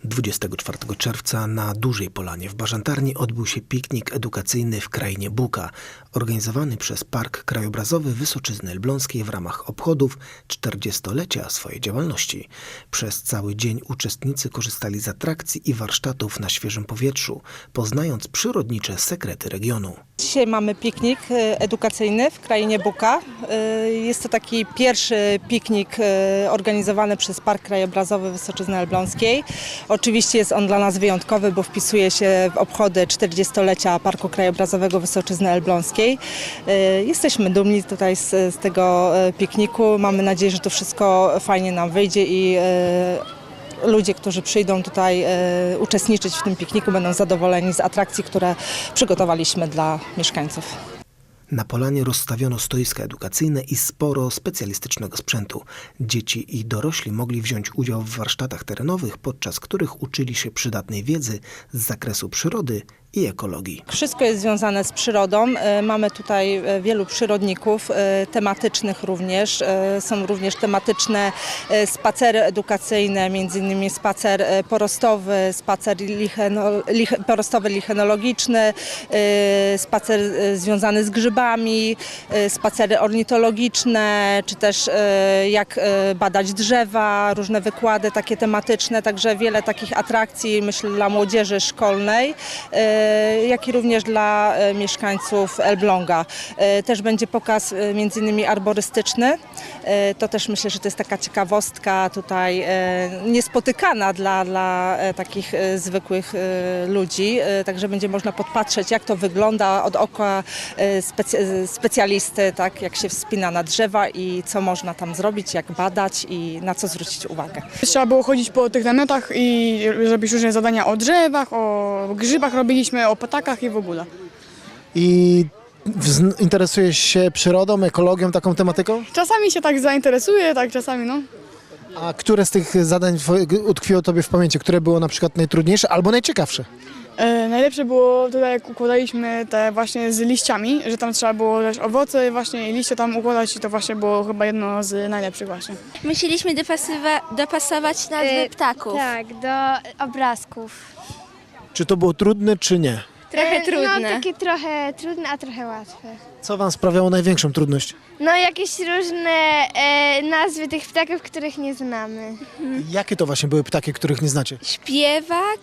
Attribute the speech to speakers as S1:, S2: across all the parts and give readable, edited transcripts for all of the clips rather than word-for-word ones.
S1: 24 czerwca na Dużej Polanie w Bażantarni odbył się piknik edukacyjny w Krainie Buka, organizowany przez Park Krajobrazowy Wysoczyzny Elbląskiej w ramach obchodów 40-lecia swojej działalności. Przez cały dzień uczestnicy korzystali z atrakcji i warsztatów na świeżym powietrzu, poznając przyrodnicze sekrety regionu.
S2: Dzisiaj mamy piknik edukacyjny w Krainie Buka. Jest to taki pierwszy piknik organizowany przez Park Krajobrazowy Wysoczyzny Elbląskiej. Oczywiście jest on dla nas wyjątkowy, bo wpisuje się w obchody 40-lecia Parku Krajobrazowego Wysoczyzny Elbląskiej. Jesteśmy dumni tutaj z tego pikniku. Mamy nadzieję, że to wszystko fajnie nam wyjdzie i ludzie, którzy przyjdą tutaj uczestniczyć w tym pikniku, będą zadowoleni z atrakcji, które przygotowaliśmy dla mieszkańców.
S1: Na polanie rozstawiono stoiska edukacyjne i sporo specjalistycznego sprzętu. Dzieci i dorośli mogli wziąć udział w warsztatach terenowych, podczas których uczyli się przydatnej wiedzy z zakresu przyrody i ekologii.
S2: Wszystko jest związane z przyrodą. Mamy tutaj wielu przyrodników, tematycznych również. Są również tematyczne spacery edukacyjne, między innymi spacer porostowy, spacer porostowy lichenologiczny, spacer związany z grzybami, spacery ornitologiczne, czy też jak badać drzewa, różne wykłady takie tematyczne, także wiele takich atrakcji, myślę, dla młodzieży szkolnej, jak i również dla mieszkańców Elbląga. Też będzie pokaz między innymi arborystyczny. To też myślę, że to jest taka ciekawostka tutaj niespotykana dla takich zwykłych ludzi. Także będzie można podpatrzeć, jak to wygląda od oka specjalisty, tak, jak się wspina na drzewa i co można tam zrobić, jak badać i na co zwrócić uwagę.
S3: Trzeba było chodzić po tych namiotach i robić różne zadania o drzewach, o grzybach robiliśmy, o ptakach i w ogóle.
S4: I interesujesz się przyrodą, ekologią, taką tematyką?
S3: Czasami się tak zainteresuję, tak czasami no.
S4: A które z tych zadań utkwiło Tobie w pamięci? Które było na przykład najtrudniejsze albo najciekawsze?
S3: Najlepsze było tutaj, jak układaliśmy te właśnie z liściami, że tam trzeba było też owoce właśnie i liście tam układać i to właśnie było chyba jedno z najlepszych właśnie.
S5: Musieliśmy dopasować nazwy ptaków.
S6: Tak, do obrazków.
S4: Czy to było trudne, czy nie?
S5: Trochę trudne.
S6: No takie trochę trudne, a trochę łatwe.
S4: Co Wam sprawiało największą trudność?
S6: No jakieś różne nazwy tych ptaków, których nie znamy.
S4: Jakie to właśnie były ptaki, których nie znacie?
S5: Śpiewak,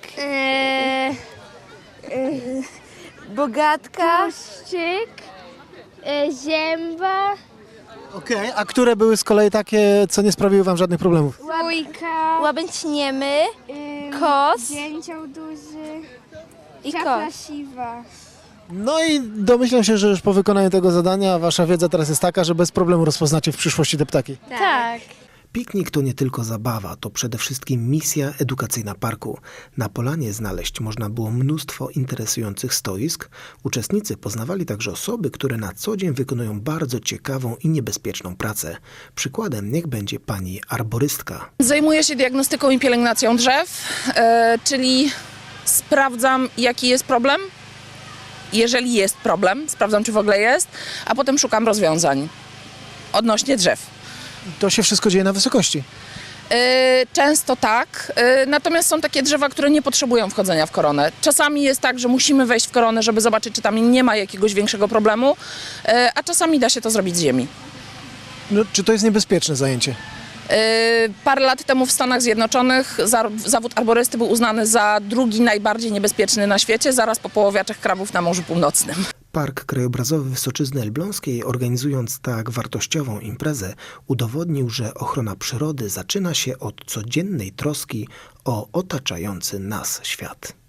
S5: bogatka,
S6: Szczyk, zięba,
S4: Okej, a które były z kolei takie, co nie sprawiły Wam żadnych problemów?
S6: łójka,
S5: łabędź niemy kos
S6: dzięcioł duży,
S5: i
S6: czapla
S5: kos.
S6: siwa.
S4: No i domyślam się, że już po wykonaniu tego zadania Wasza wiedza teraz jest taka, że bez problemu rozpoznacie w przyszłości te ptaki.
S6: Tak.
S1: Piknik to nie tylko zabawa, to przede wszystkim misja edukacyjna parku. Na polanie znaleźć można było mnóstwo interesujących stoisk. Uczestnicy poznawali także osoby, które na co dzień wykonują bardzo ciekawą i niebezpieczną pracę. Przykładem niech będzie pani arborystka.
S7: Zajmuję się diagnostyką i pielęgnacją drzew, czyli sprawdzam, jaki jest problem. Jeżeli jest problem, sprawdzam, czy w ogóle jest, a potem szukam rozwiązań odnośnie drzew.
S4: To się wszystko dzieje na wysokości.
S7: Często tak, natomiast są takie drzewa, które nie potrzebują wchodzenia w koronę. Czasami jest tak, że musimy wejść w koronę, żeby zobaczyć, czy tam nie ma jakiegoś większego problemu, a czasami da się to zrobić z ziemi.
S4: No, czy to jest niebezpieczne zajęcie?
S7: Parę lat temu w Stanach Zjednoczonych zawód arborysty był uznany za drugi najbardziej niebezpieczny na świecie, zaraz po poławiaczach krabów na Morzu Północnym.
S1: Park Krajobrazowy Wysoczyzny Elbląskiej, organizując tak wartościową imprezę, udowodnił, że ochrona przyrody zaczyna się od codziennej troski o otaczający nas świat.